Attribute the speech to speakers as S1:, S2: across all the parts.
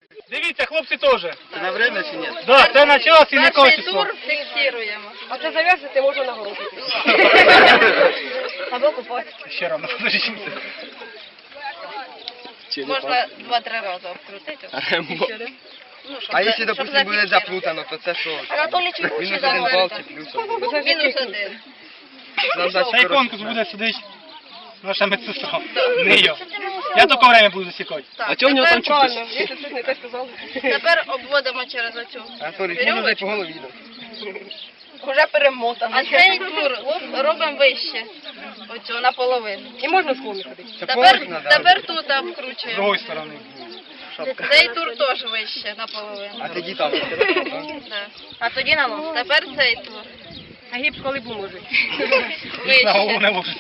S1: Дивіться, хлопці теж.
S2: Це на время чи ні?
S1: Да, це на час і на
S3: Перший
S1: качество.
S3: тур фіксуємо.
S4: А це зав'язати можна на голову.
S3: Або купати.
S1: Ще рано, подождіть.
S3: Можна 2-3 рази обкрутити. Ну, щоб
S2: А якщо,
S3: щоб
S2: допустим, буде
S3: зафіксувати.
S2: заплутано, то це що?
S3: Анатолій
S2: Мінус один бал чи плюс?
S3: Мінус 1.
S2: Нам дати
S1: Цей конкурс буде сидить наша медсестра. Не я. Я тільки время буду засікати.
S3: А
S2: чого в нього там
S4: Правильно, якщо щось не те сказав.
S3: Тепер обводимо через оцю
S2: Анатолій, можна дай по голові.
S4: Уже перемотано.
S3: А цей тур робимо вище. Оцю наполовину.
S4: І можна в склоні ходити.
S2: Це поверх
S3: Тепер,
S2: надо.
S3: тепер тут
S1: З
S3: обкручуємо.
S1: другої сторони.
S3: Цей тур теж вище наполовину.
S2: А тоді там.
S3: Да. А тоді на нос. Тепер цей тур.
S4: А гіпс коли поможуть.
S1: На голову
S3: Вище.
S1: не ложиться.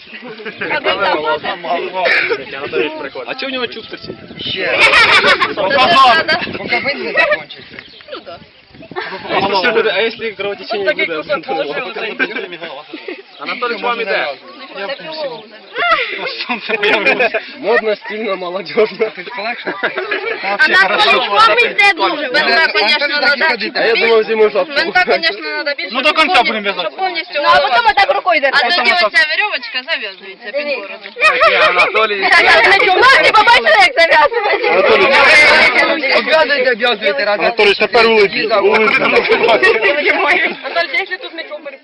S5: А чого в нього чуб торчить?
S2: Ще.
S1: Показав.
S2: Поки бинт не закінчиться.
S3: Ну так.
S5: А якщо кровотечення
S4: Такий
S5: буде?
S4: кусок положили.
S5: Анатолій, вам іде.
S1: Я в курсі. Сонце появилося.
S5: Модно, стильно, молодежно.
S2: Ти полегше?
S3: Вам йде дуже. Бинта, звісно,
S5: А я думав, зиму жовту.
S3: Бинта, звісно, треба більше.
S1: Ну, до
S3: щоб
S1: кінця
S3: повністю-
S1: будемо в'язати.
S3: Щоб повністю
S4: Ну, а потім отак рукою
S3: А
S4: держати.
S3: тоді оця веревочка зав'язується під бороду.
S5: Анатолій.
S4: Ти побачили, як зав'язувати?
S2: Обв'язуйте, обв'язуйте разом.
S5: Анатолій, тепер улиці.
S4: Анатолій, якщо тут мікрофон